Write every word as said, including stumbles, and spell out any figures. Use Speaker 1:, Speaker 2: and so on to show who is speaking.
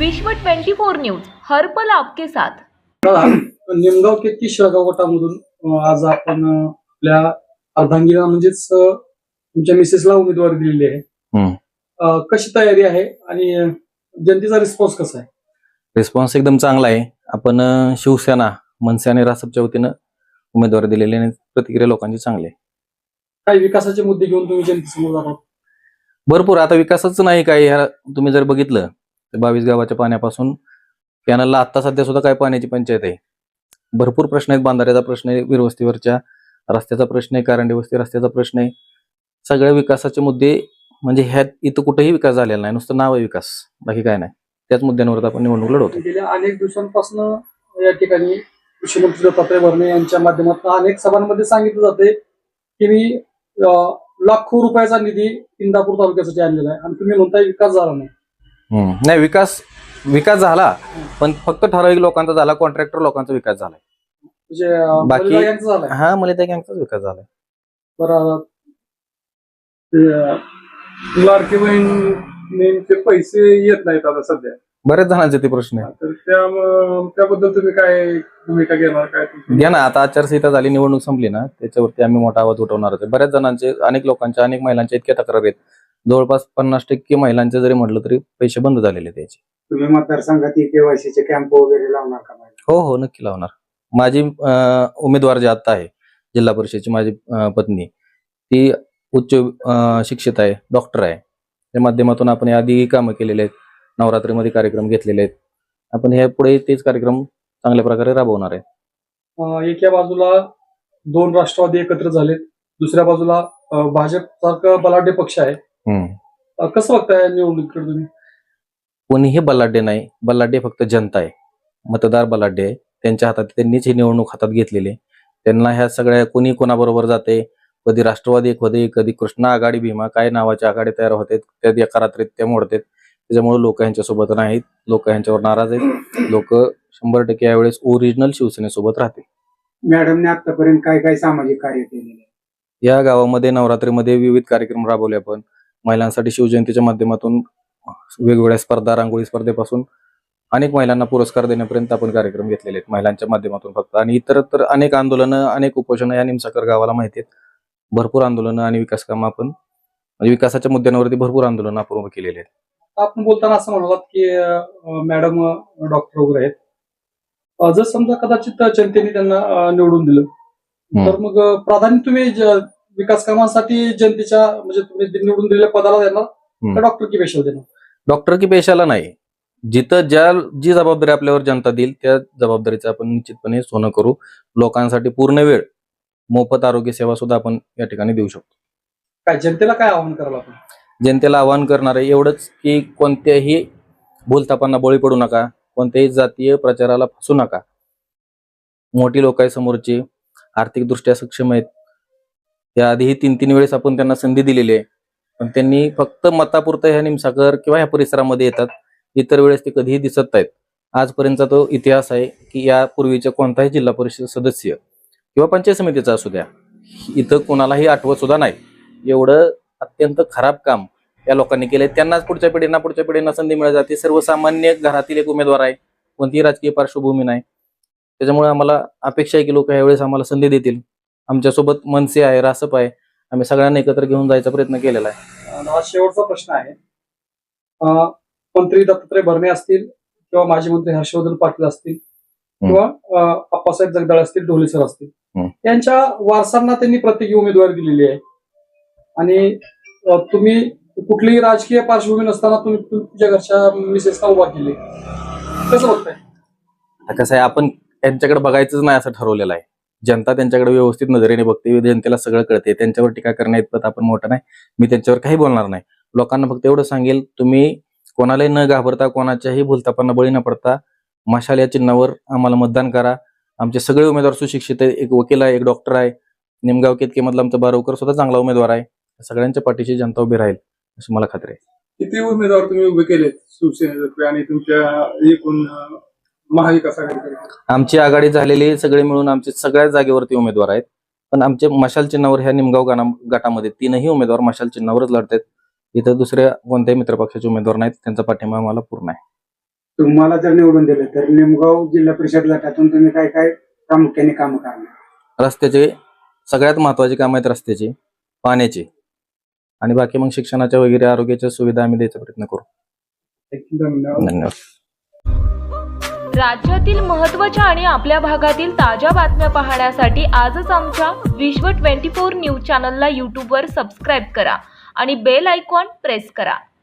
Speaker 1: विश्व चोवीस न्यूज हर पल आपके साथ।
Speaker 2: निमगाव केतकी शेळगाव गटामधून अं, आज आपण अं, आपल्या अर्धांगिनीला म्हणजेच अं, तुमच्या मिसेसला उमेदवारी दिलेली आहे।
Speaker 3: हम्म.
Speaker 2: अं, कशी तयारी आहे आणि अं, जनतेचा रिस्पॉन्स कसा आहे?
Speaker 3: रिस्पॉन्स एकदम चांगला आहे। आपण अं, शिवसेना मनसे आणि रासपच्या वतीनं उमेदवारी दिलेली आणि प्रतिक्रिया लोकांची चांगली आहे।
Speaker 2: काही विकासाचे मुद्दे घेऊन तुम्ही जनतेसमोर जातात?
Speaker 3: भरपूर आता विकासच नाही काय, ह्या तुम्ही जर बघितलं तर बावीस गावाच्या पाण्यापासून कॅनलला आता सध्या सुद्धा काय पाण्याची पंचायत आहे। भरपूर प्रश्न आहेत, बांधाऱ्याचा प्रश्न आहे, वीरवस्तीवरच्या रस्त्याचा प्रश्न आहे, कारंडी वस्ती रस्त्याचा प्रश्न आहे। सगळे विकासाचे मुद्दे म्हणजे ह्यात इथं कुठेही विकास झालेला नाही, नुसतं नाव आहे विकास, बाकी काय नाही। त्याच मुद्द्यांवर आपण निवडणूक लढवतो।
Speaker 2: गेल्या अनेक दिवसांपासून या ठिकाणी कृषी मंत्री दत्तात्रय भरणे यांच्या माध्यमातून अनेक सभांमध्ये सांगितलं जाते की मी अं, लाखो रुपयाचा निधी इंदापूर तालुक्यासाठी आणलेला आहे आणि तुम्ही म्हणताय विकास झाला नाही।
Speaker 3: हम्म. नाही, विकास विकास झाला, पण फक्त ठराविक लोकांचा झाला, कॉन्ट्रॅक्टर लोकांचा विकास झालाय।
Speaker 2: म्हणजे अं,
Speaker 3: बाकी-
Speaker 2: बलिदान यांचं झालंय।
Speaker 3: हा, मला त्या गँगचाच विकास झालाय।
Speaker 2: बरं, ते, अं, लाडकी बहिणीचे पैसे येत नाहीत आता सध्या,
Speaker 3: बऱ्याच जणांचे ते प्रश्न आहे।
Speaker 2: तर त्या त्याबद्दल तुम्ही काय भूमिका घेणार? काय तुमची?
Speaker 3: घ्या ना, आता आचारसंहिता झाली, निवडणूक संपली ना, त्याच्यावरती आम्ही मोठा आवाज उठवणारच आहे। बऱ्याच जणांचे, अनेक लोकांच्या, अनेक महिलांच्या इतक्या तक्रारी आहेत, जवळपास पन्नास टक्के महिलांचे जरी म्हटलं तरी पैसे बंद झालेले त्याचे।
Speaker 4: तुम्ही मतदारसंघात केवायसीचे कॅम्प वगैरे लावणार का?
Speaker 3: हो हो, नक्की लावणार। माझी अं, उमेदवार जी आता आहे जिल्हा परिषदेची, माझी अं, पत्नी, ती उच्च अं, शिक्षित आहे, डॉक्टर आहे। त्या माध्यमातून आपण आधी कामं केलेले आहेत, नवरात्रीमध्ये कार्यक्रम घेतलेले आहेत। आपण ह्या पुढे तेच कार्यक्रम चांगल्या प्रकारे राबवणार आहे।
Speaker 2: अं, एका बाजूला दोन राष्ट्रवादी एकत्र झालेत, दुसऱ्या बाजूला अं, भाजप सारखं बलाढ्य पक्ष आहे।
Speaker 3: हम्म.
Speaker 2: अं, कसं बघताय निवडणुकीकडे तुम्ही?
Speaker 3: कोणीही बलाढ्य नाही, बलाढ्य फक्त जनता आहे, मतदार बलाढ्य आहे। त्यांच्या हातात, त्यांनीच ही निवडणूक हातात घेतलेली आहे। त्यांना ह्या सगळ्या कोणी कोणाबरोबर जाते, कधी राष्ट्रवादी कधी कधी कृष्णा आघाडी, भीमा काय नावाच्या आघाडी तयार होते, त्या एका रात्रीत त्या मोडतात। त्याच्यामुळे लोक यांच्यासोबत नाहीत, लोक यांच्यावर नाराज आहेत। लोक शंभर टक्के यावेळेस ओरिजिनल शिवसेनेसोबत राहतील।
Speaker 4: मॅडमने आतापर्यंत काय काय सामाजिक कार्य केलेले आहे?
Speaker 3: या गावामध्ये नवरात्रीमध्ये विविध कार्यक्रम राबवले आपण। महिलांसाठी शिवजयंतीच्या माध्यमातून वेगवेगळ्या स्पर्धा, रांगोळी स्पर्धेपासून अनेक महिलांना पुरस्कार देण्यापर्यंत आपण कार्यक्रम घेतलेले आहेत महिलांच्या माध्यमातून फक्त। आणि इतर तर अनेक आंदोलनं, अनेक उपोषणं या निमसाकर गावाला माहिती आहेत। भरपूर आंदोलनं आणि विकास कामं आपण, म्हणजे विकासाच्या मुद्द्यांवरती भरपूर आंदोलनं आपण उभं केलेली आहेत।
Speaker 2: आपण बोलताना असं म्हणालात की अं, मॅडम डॉक्टर वगैरे आहेत, अं, जर समजा कदाचित जनतेने त्यांना अं, निवडून दिलं तर मग अं, प्राधान्य तुम्ही ज- विकास कामांसाठी जनतेच्या, म्हणजे तुम्ही निवडून दिलेल्या पदाला देणार तर डॉक्टर की पेशा देणार?
Speaker 3: डॉक्टर की पेशाला नाही, जिथं ज्या जी जबाबदारी आपल्यावर जनता देईल त्या जबाबदारीचं आपण निश्चितपणे सोनं करू। लोकांसाठी पूर्ण वेळ मोफत आरोग्य सेवा सुद्धा आपण या ठिकाणी देऊ शकतो।
Speaker 2: काय जनतेला काय आवाहन कराल आपण?
Speaker 3: जनतेला आवाहन करणार आहे एवढंच की कोणत्याही भूलथापांना बळी पडू नका, कोणत्याही जातीय प्रचाराला फसू नका। मोठी लोक आहे समोरची, आर्थिकदृष्ट्या सक्षम आहेत, त्याआधीही तीन तीन वेळेस आपण त्यांना संधी दिलेली आहे, पण त्यांनी फक्त मतापुरतं ह्या निमसाकर किंवा ह्या परिसरामध्ये येतात, इतर वेळेस ते कधीही दिसत नाहीत। आजपर्यंतचा तो इतिहास आहे की यापूर्वीच्या कोणताही जिल्हा परिषद सदस्य किंवा पंचायत समितीचा असू द्या, इथं कोणालाही आठवत सुद्धा नाही। एवढं अत्यंत खराब काम या लोकांनी केलंय। त्यांनाच पुढच्या पिढींना पुढच्या पिढींना संधी मिळत जाते। सर्वसामान्य घरातील एक उमेदवार आहे, कोणतीही राजकीय पार्श्वभूमी नाही। त्याच्यामुळे आम्हाला अपेक्षा आहे की लोक यावेळेस आम्हाला संधी देतील। आमच्यासोबत मनसे आहे, रासप आहे, आम्ही सगळ्यांना एकत्र घेऊन जायचा प्रयत्न केलेला आहे।
Speaker 2: आणि हा शेवटचा प्रश्न आहे, अं, मंत्री दत्तात्रय भरणे असतील किंवा माजी मंत्री हर्षवर्धन पाटील असतील किंवा अं, अप्पासाहेब जगदाळे असतील, ढोले सर असतील,
Speaker 3: हम्म.
Speaker 2: त्यांच्या वारसांना त्यांनी प्रत्येकी उमेदवारी दिलेली आहे आणि अं, तुम्ही कुठलीही राजकीय पार्श्वभूमी नसताना तुम्ही तुमच्या घरच्या मिसेसला उभा केले, कसं बघताय?
Speaker 3: आता कसं आहे, आपण त्यांच्याकडे बघायचंच नाही असं ठरवलेलं आहे। जनता त्यांच्याकडे व्यवस्थित नजरेने बघते, जनतेला सगळं कळते। त्यांच्यावर टीका करण्या इतपत आपण मोठं नाही, मी त्यांच्यावर काही बोलणार नाही। लोकांना फक्त एवढं सांगेल, तुम्ही कोणालाही न घाबरता, कोणाच्याही भूलथापांना बळी न पडता मशाल या चिन्हावर आम्हाला मतदान करा। आमचे सगळे उमेदवार सुशिक्षित आहे, एक वकील आहे, एक डॉक्टर आहे, निमगाव केतकी मधला आमचा बारवकर सुद्धा चांगला उमेदवार आहे। सगळ्यांच्या पाठीशी जनता उभी राहील अशी मला खात्री आहे।
Speaker 2: किती उमेदवार तुम्ही उभे केलेत शिवसेनेतर्फे आणि तुमच्या एकूण महाविकास आघाडीकडे?
Speaker 3: आमची आघाडी झालेली सगळे मिळून आमचे सगळ्या जागेवरती उमेदवार आहेत, पण आमचे मशाल चिन्हावर ह्या निमगाव गाणा गटामध्ये तीनही उमेदवार मशाल चिन्हावरच लढतात। इथं दुसऱ्या कोणत्याही मित्रपक्षाचे उमेदवार नाहीत, त्यांचा पाठिंबा आम्हाला पूर्ण आहे।
Speaker 4: तुम्हाला जर निवडून दिलं तर निमगाव जिल्हा परिषद गटातून तुम्ही काय काय प्रामुख्याने काम करणार?
Speaker 3: रस्त्याचे सगळ्यात महत्वाची काम आहेत, रस्त्याची, पाण्याची, आणि बाकी मग शिक्षणाच्या वगैरे आरोग्याच्या सुविधा आम्ही द्यायचा प्रयत्न करू.
Speaker 2: धन्यवाद.
Speaker 3: धन्यवाद.
Speaker 1: राज्यातील महत्त्वाच्या आणि आपल्या भागातील ताज्या बातम्या पाहण्यासाठी आजच आमच्या विश्व ट्वेंटी फोर न्यूज चॅनलला यूट्यूबवर सबस्क्राईब करा आणि बेल आयकॉन प्रेस करा.